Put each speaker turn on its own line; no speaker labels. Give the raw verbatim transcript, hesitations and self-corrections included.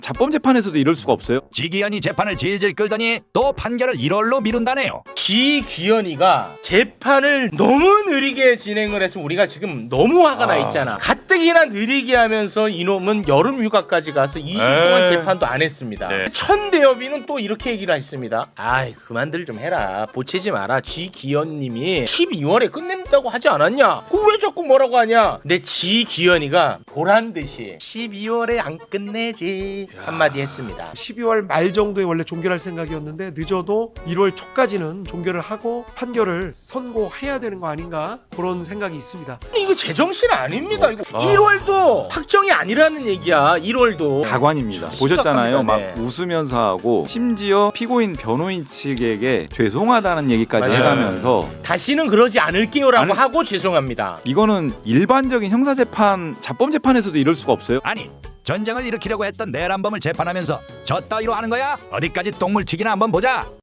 자범 재판에서도 이럴 수가 없어요?
지기현이 재판을 질질 끌더니 또 판결을 일월로 미룬다네요.
지기현이가 재판을 너무 느리게 진행을 해서 우리가 지금 너무 화가 나 있잖아. 가뜩이나 느리게 하면서 이놈은 여름 휴가까지 가서 이 주 동안 재판도 안 했습니다.
네.
천대엽이는 또 이렇게 얘기를 했습니다. 아이 그만들 좀 해라. 보채지 마라. 지기현님이 십이월에 끝낸다고 하지 않았냐? 그 왜 자꾸 뭐라고 하냐? 근데 지기현이가 보란 듯이 십이월에 안 끝내지 한마디 했습니다.
십이월 말 정도에 원래 종결할 생각이었는데 늦어도 일월 초까지는 종결을 하고 판결을 선고해야 되는 거 아닌가 그런 생각이 있습니다.
이거 제정신 아닙니다. 이거 일월도 확정이 아니라는 얘기야. 일월도
가관입니다. 보셨잖아요. 막
네.
웃으면서 하고 심지어 피고인 변호인 측에게 죄송하다는 얘기까지
맞아요.
해가면서
다시는 그러지 않을게요라고
아니,
하고 죄송합니다.
이거는 일반적인 형사재판, 자범 재판에서도 이럴 수가 없어요?
아니 전쟁을 일으키려고 했던 내란범을 재판하면서 저 따위로 하는 거야? 어디까지 똥물 튀기나 한번 보자.